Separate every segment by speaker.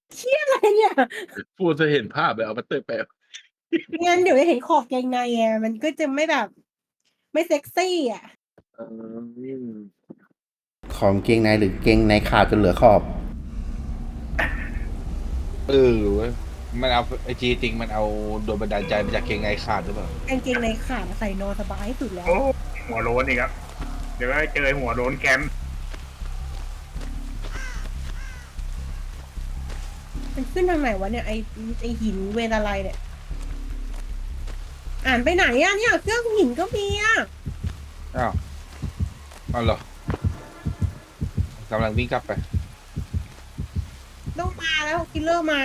Speaker 1: เชี่ยอะไรเนี่ย
Speaker 2: พูดจะเห็นภาพเลยเอามาเตอร์แปล
Speaker 1: งั้นเดี๋ยวจะเห็นขอบกางในไงมันก็จะไม่แบบ ไม่เซ็กซี่อะ
Speaker 2: อืม
Speaker 3: ของเกงในหรือเกงในขาดจนเหลือขอบ
Speaker 4: เว้ยมันเอาไอจีจริงมันเอาโดนบันดาลใจมาจากเกงในขาดหรือเปล่าก
Speaker 1: างเกงในขาดใส่นอนสบายที่สุดแล้ว
Speaker 5: โอ้หัวโล้นอีกครับ เดี๋ยวก็เจอหัวโล้นแคมป์
Speaker 1: มันขึ้นทางไหนวะเนี่ยไอหินเวรอะไรเนี่ย อ่านไปไหนอะเนี่ยเครื่องหินก็มีอะ
Speaker 4: อ้าวเหรอกำลังวิ่งกลับไป
Speaker 1: ต้องมาแล้วคิลเลอร์มา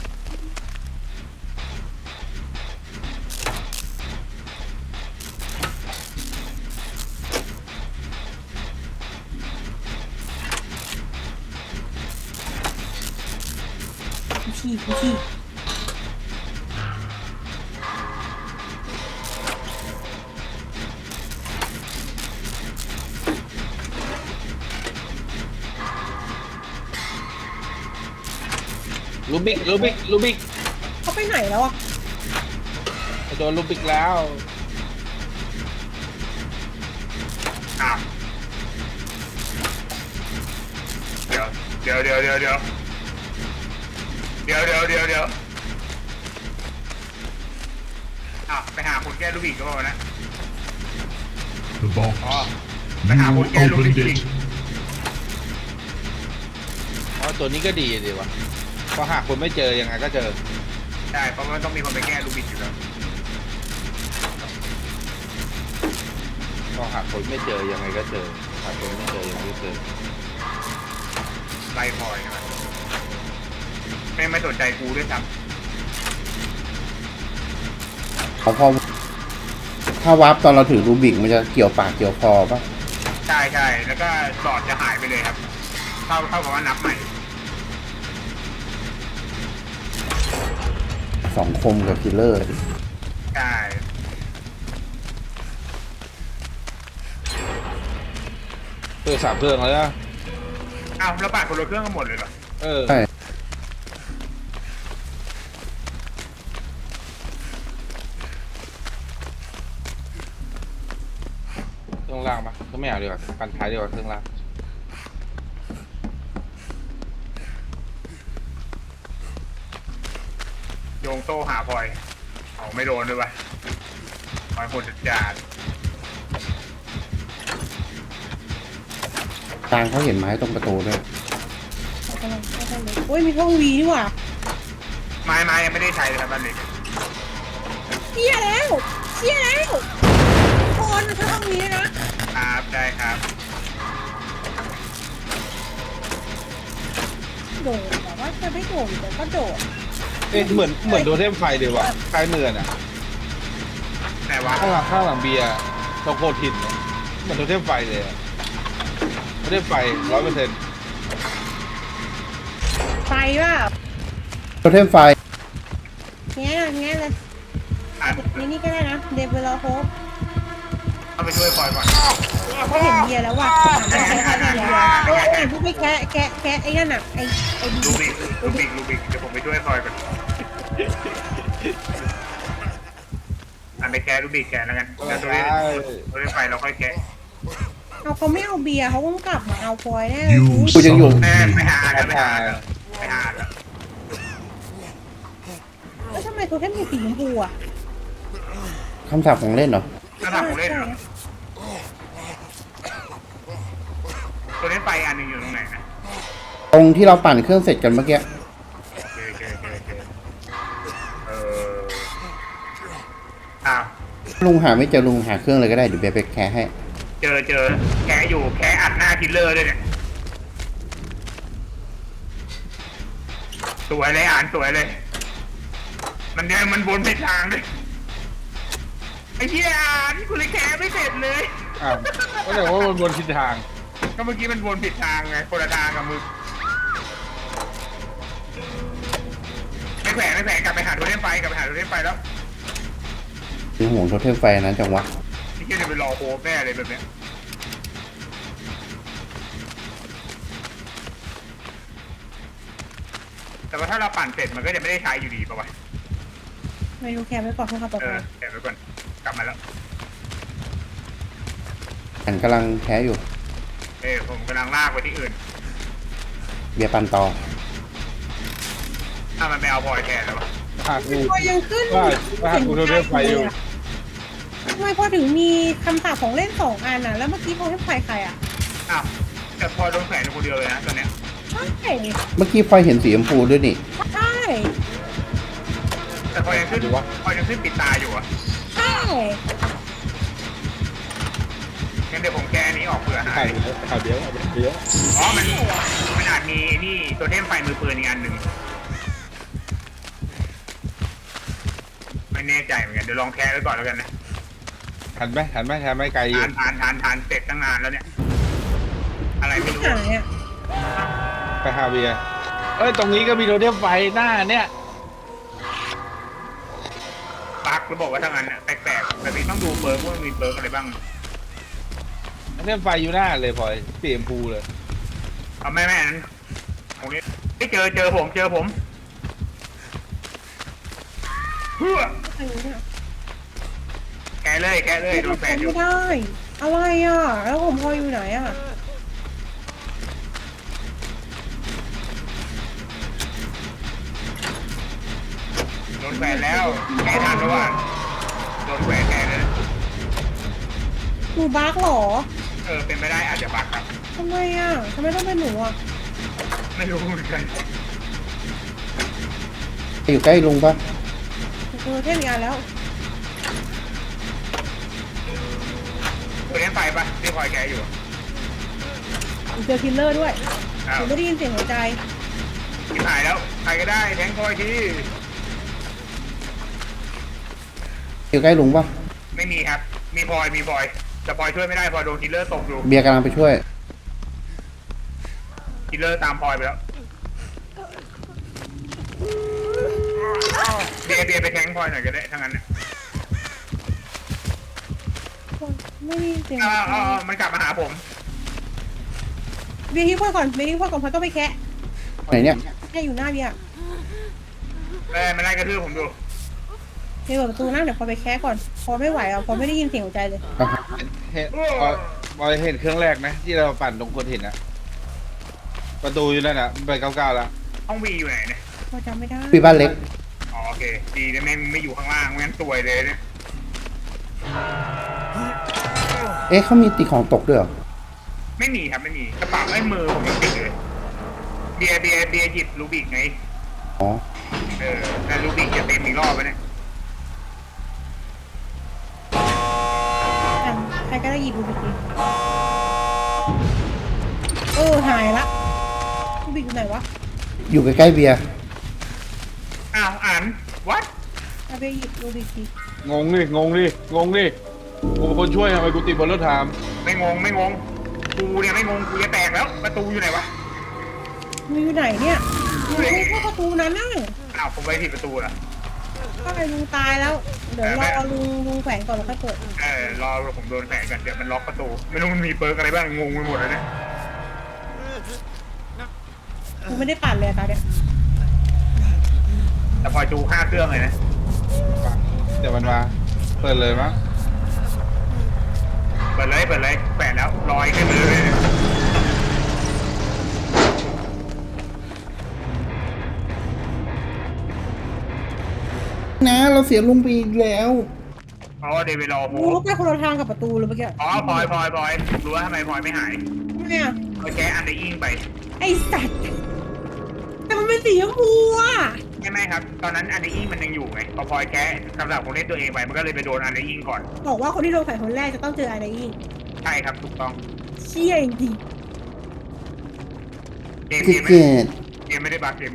Speaker 1: ฉีก
Speaker 4: ลูบิก
Speaker 1: เขาไปไหนแล้วอะ
Speaker 4: โดนลูบิกแล้ว
Speaker 5: อ้าวเดี๋ยวอ้าวไปหาคนแก้ลูกบิกก็บอกนะ
Speaker 6: The box.
Speaker 5: อ๋อไปหาคนแก้
Speaker 6: You
Speaker 5: ลูกบิก
Speaker 6: opened
Speaker 5: จริง
Speaker 6: it.
Speaker 4: เพราะตัวนี้ก็ดีดีวะเพราะหากคนไม่เจอยังไงก็เจอ
Speaker 5: ใช่เพราะมันต้องมีคนไปแก้ลูกบิกอยู่แล้ว
Speaker 4: เพราะหากคนไม่เจอยังไงก็เจอหากคนไม่เจอยังไงก็เจอ
Speaker 5: ไล่พลอยใช่ไหมไม่สนใจกูด้วยซ้
Speaker 3: พอถ้าวาร์ปตอนเราถือรูบิกมันจะเกี่ยวปากเกี่ยวคอป่ะ
Speaker 5: ำใช่แล้วก็หลอดจะหายไปเลยครับเท่ากับว่านับใหม่
Speaker 3: สองคมกับคิลเลอร์
Speaker 5: ใช่
Speaker 4: 3 เครื่องแล้วนะ
Speaker 5: อ้าวแล้วปาดคนละเครื่องกันหมดเลยเหรอ
Speaker 3: ใช่
Speaker 4: เครื่องล่างปะก็ไม่เอาดีกว่าปันท้ายดีกว่าเครื่องล่าง
Speaker 5: โยงโต้หาพลอยเอาไม่โดนด้วยวะพลอยโหดจัด
Speaker 3: กลางเขาเห็นไม้ตรงประตูด้วย
Speaker 1: กำลังเลยโอ้ยมีห้องวีนี่หว่า
Speaker 5: ไม้ยังไม่ได้ใช้เลยครับบ้านเล็ก
Speaker 1: เชี่ยแล้วคนมันจะห้องวีด้วยนะครับ
Speaker 5: ได้ครับ
Speaker 1: โดดแต่ว่าจะไม่โดดแต่ก็โดด
Speaker 4: เหมือนโดนเทมไฟดีว่ะคล้ายเมือนอ่ะ
Speaker 5: แต่ว่า
Speaker 4: ข้างหลังเบียร์ตรงโคทินเนี่ยเหมือนโดนเทมไฟเลยอะโดนเทมไฟ100%
Speaker 1: ไฟว่า
Speaker 3: โทเทมไฟ
Speaker 1: แง่เลยนี่ก็ได้นะเดบิวต์โฮป
Speaker 5: เอาไปช่วยพลอยก่อน
Speaker 1: เขาเห็นเบียร์แล้วว่ะไม่ใช่แค่เบียร์โอ้ยพวกไม่แค่ไอ้นั่นอ่ะไอ้
Speaker 5: ลูบิกเดี๋ยวผมไปช่วยพลอยก่อนไปแกะลูบิกแกะแล้วกันแล้วตัวนี้ไฟเราค่อยแกะ
Speaker 1: เอาเขาไม่เอาเบียร์เขาต้องกลับมาเอาพลอยแน่
Speaker 6: You
Speaker 3: กูยังอยู่
Speaker 6: son
Speaker 5: แม่
Speaker 6: of a
Speaker 5: ไป
Speaker 6: bitch.
Speaker 5: หาแล้ว
Speaker 1: แล้วทำไมเขาแค่มีสีชมพูอ่ะ
Speaker 3: คำสาปของเล่นเหรอ
Speaker 5: ถ้าทำผมเล่นเหรอตัวนี้ไฟอันหนึงอยู่ตรงไหนนะ
Speaker 3: ตรงที่เราปั่นเครื่องเสร็จกันเมื่อกี้
Speaker 5: โอเคอ้าว
Speaker 3: ลุงหาไม่เจอลุงหาเครื่องเลยก็ได้เดี๋ยวเบไปแคร์ให้
Speaker 5: เจอแกะอยู่แกะอัดหน้าคิลเลอร์ด้วยเนี่ยสวยเลยสวยเลย มันวนผิดทางด้วยไอ้เหี้ยกูเลยแกะไม่เสร็จเลย
Speaker 4: อ้าวก็แต่ว่ามันบนทิศทาง
Speaker 5: ก็เมื่อกี้มันวนผิดทางไงคนละทางกับมึงไม่แขวนกลับไปหาโทเทมไฟแล้ว
Speaker 3: เป็นห่วงโทเทมไฟนั้นจังวะ
Speaker 5: ที่จะไปรอโฮปแน่เลยแบบเนี้ยแต่ว่าถ้าเราปั่นเสร็จมันก็จะไม่ได้ใช้อยู่ดีป่ะวะ
Speaker 1: ไม่รู้แคร์ไว้ก่อนเพื่อความปลอด
Speaker 5: เอ
Speaker 1: ภั
Speaker 5: อย แกะไว้ก่อนกลับมาแล้ว
Speaker 3: อันกำลังแพ้อยู่
Speaker 5: ผมกำลังลากไปที่อื่น
Speaker 3: เบียร์ปันต่อ
Speaker 5: ถ้ามันไปเอาพลอยแทนแล้ววะ
Speaker 4: หากกู
Speaker 1: พอยังขึ้น
Speaker 4: ว่ากูโดนเรื่องไฟอยู่
Speaker 1: ทำไมพอถึงมีคำสาปของเล่น2 อันน่ะแล้วเมื่อกี้พอให้ไฟใครอ่ะ
Speaker 5: อ้าวแต่พลอยโดนแขวนอยู่คนเดียวเลยนะตอนเนี้ย
Speaker 1: ใช่
Speaker 3: เมื่อกี้พลอยเห็นสีชมพูด้วยนี่
Speaker 1: ใช่
Speaker 5: แต่พลอยยังขึ้นพลอยยังขึ้นปิดตาอยู่อ่ะ
Speaker 1: ใช่
Speaker 5: งั้นเดี๋ยวผมแก้อันนี้ออกเผื่อหา
Speaker 4: ข่าวย เดียวเดียว
Speaker 5: อ๋อมันอาจมีนี่ตัวเทมไฟมือปืนอีกอันหนึ่งไม่แน่ใจเหมือนกันเดี๋ยวลองแก้ไว้ก่อนแล้วกันนะ
Speaker 4: ทันไหมไกลอยู่
Speaker 5: ทานเสร็จตั้งนานแล้วเนี่ย อะไรไม่รู้
Speaker 1: หายอ่ะ
Speaker 4: ไปหาเบียร์เอ้ยตรงนี้ก็มีโทเทมไฟหน้าเนี่ย
Speaker 5: ปักแล้วบอกว่าทั้งนั้นน่ะแปลกๆแบบนี้ต้องดูเบิร์กว่ามีเบิร์กอะไรบ้าง
Speaker 4: โทเทมไฟอยู่หน้าเลยพลอยสีชมพูเลย
Speaker 5: เอาแม่อันนั้นตรงนี้ไม่เจอผมเพื่อ
Speaker 1: ใครรู้เนี่ย
Speaker 5: แกะเลยโดนแฝดอยู่
Speaker 1: ไม่ได้ อะไรอ่ะ แล้วผมพออยู่ไหนอ่ะ
Speaker 5: โดนแฝดแล้วแกะทันหรือว่าโดนแฝดแกะเลย
Speaker 1: หนูบั๊กเหรอ
Speaker 5: เป็นไปได้อาจจะบักครับ
Speaker 1: ทำไมอ่ะทำไมต้องเป็นหนูอ่ะ
Speaker 5: ไม่รู้เหมือนกัน
Speaker 3: อยู่ใกล้ลุงปะ
Speaker 1: เทพอีกอันแล้ว
Speaker 5: ตัวนี้ไฟปะที่คอยแกะอยู่
Speaker 1: เจอคิลเลอร์ด้วย
Speaker 5: อ้าว
Speaker 1: ผมไม่ได้ยินเสียงหัวใจ
Speaker 5: ที่หายแล้วใครก็ได้แทงคอยที
Speaker 3: อยู่ใกล้ลุงปะ
Speaker 5: ไม่มีครับ มีพลอยแต่พลอยช่วยไม่ได้พลอยโดนคิลเลอร์ตกอยู่
Speaker 3: เบียร์กำลังไปช่วย
Speaker 5: คิลเลอร์ตามพลอยไปแล้วเบียร์ไปแทงพลอยหน่อยก็ได้ทั้งนั้นน่ะ
Speaker 1: ไม่ได้ยินเสียงหัวใจ
Speaker 5: มันกลับมาหาผม
Speaker 1: เบียร์ทิ้งพ่อก่อนพอต้องไปแคะ
Speaker 3: ไหนเนี่ย
Speaker 1: แค่อยู่หน้าเบียร์
Speaker 5: มันไล่กระทืบผมดู
Speaker 1: เบียร์เปิดประตูนั่งเดี๋ยวพอไปแคะก่อน พอไม่ไหวอ่ะพอไม่ได้ยินเสียงหัวใจเลย
Speaker 3: อ่ะฮะ
Speaker 4: เห็นพลอยเห็นเครื่องแรกนะที่เราปั่นตรงคนเห็นนะประตูอยู่นั่นน่ะไป99แล้ว
Speaker 5: ห้องวีอยู่ไหนเนี่ย
Speaker 1: พอจำไม่ได้
Speaker 3: พี่บ้านเล็ก
Speaker 5: อ๋อโอเคดีนะแม่งไม่อยู่ข้างล่างไม่งั้นซวยเลยเนี่ย
Speaker 3: เอ๊ะเขามีตีของตกด้วยเหรอ
Speaker 5: ไม่มีครับไม่มีกระเป๋าไอ้มือผมยังติดเลยเบียร์หยิบลูบิกไง
Speaker 3: อ๋อ
Speaker 5: แต่ลูบิกจะเต็มอีกรอบไปเนี่ย
Speaker 1: อันใครก็ได้หยิบดูบิกดิหายละดูบิกอยู่ไหนวะ
Speaker 3: อยู่ใกล้ๆเบียร์
Speaker 5: อ้าวอ่านวัด
Speaker 1: เอาไปหยิบดูบิกดิ
Speaker 4: งงดิกูเป็นคนช่วยทำไมกูติดบนรถถาม
Speaker 5: ไม่งงกูเนี่ยไม่งงกูจะแตกแล้วประตูอยู่ไหนวะ
Speaker 1: มึงอยู่ไหนเนี่ยอยู่ไม่เข้าประตูนั้นน่ะ
Speaker 5: อ้าวผมไปผิดประตูเหรอ
Speaker 1: ก็ไอ้ลุงตายแล้ว เดี๋ยวรอลุงแขวนก่อนแล้วค่อยเปิด
Speaker 5: รอผมโดนแฝงกันเดี๋ยวมันล็อกประตูไม่รู้มันมีเปิร์กอะไรบ้างงงไปหมดเลยเนี่ย
Speaker 1: กูไม่ได้ปั่นเลยอะตาเนี่ย
Speaker 5: แต่พอจู5 เครื่องเลยนะ
Speaker 4: เดี๋ยวมันมาเปิดเลยมั้ง
Speaker 5: เปิดเลยแฝงแล้วลอยขึ้นไปเลย
Speaker 3: นะเราเสียลุงไปอีกแล้ว
Speaker 5: อ๋อเดวิดรอโฮ
Speaker 1: กูไปคนละทางกับประตูเลยเมื่อกี้
Speaker 5: อ๋อพลอยรู้ว่าทำไมพลอยไม่หาย
Speaker 1: ทำไมอ่ะ
Speaker 5: พลอยแก้อันเดอร์อิงไป
Speaker 1: ไอ้สัตว์แต่มันเป็นสีชมพูอ่ะ
Speaker 5: ไม่ครับ ตอนนั้นอันเดอร์อิงมันยังอยู่ไงพอพลอยแก้สำหรับคนเล่นตัวเองไปมันก็เลยไปโดนอันเดอร์อิงก่อน
Speaker 1: บอกว่าคนที่โดนแขวนคนแรกจะต้องเจออะไรอีก
Speaker 5: ใช่ครับถูกต้อง
Speaker 1: เชี่ยจริง
Speaker 5: เกม
Speaker 3: คือ
Speaker 5: ไม่
Speaker 3: เกิด
Speaker 5: ไม่ได้บัก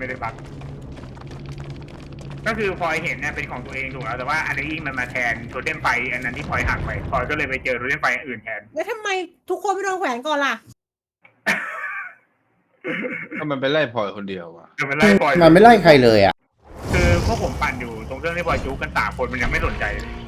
Speaker 5: ก็คือพลอยเห็นเนี่ยเป็นของตัวเองถูกแล้วแต่ว่าอันเดอร์อิงมันมาแทนโทเทมไฟอันนั้นที่พลอยหักไปพลอยก็เลยไปเจอโทเทมไฟอันอื่นแทน
Speaker 1: แล้วทำไมทุกคนไม่โดนแขวนก่อนล่ะ
Speaker 4: ก็มันไปไล่พลอยคนเดียวว่ะ
Speaker 5: คือมันไล่พลอย
Speaker 3: มันไม่ไล่ใครเลยอ่ะ
Speaker 5: คือพวกผมปั่นอยู่ตรงเครื่องที่พลอยจู๊กัน3 คนมันยังไม่สนใจเลย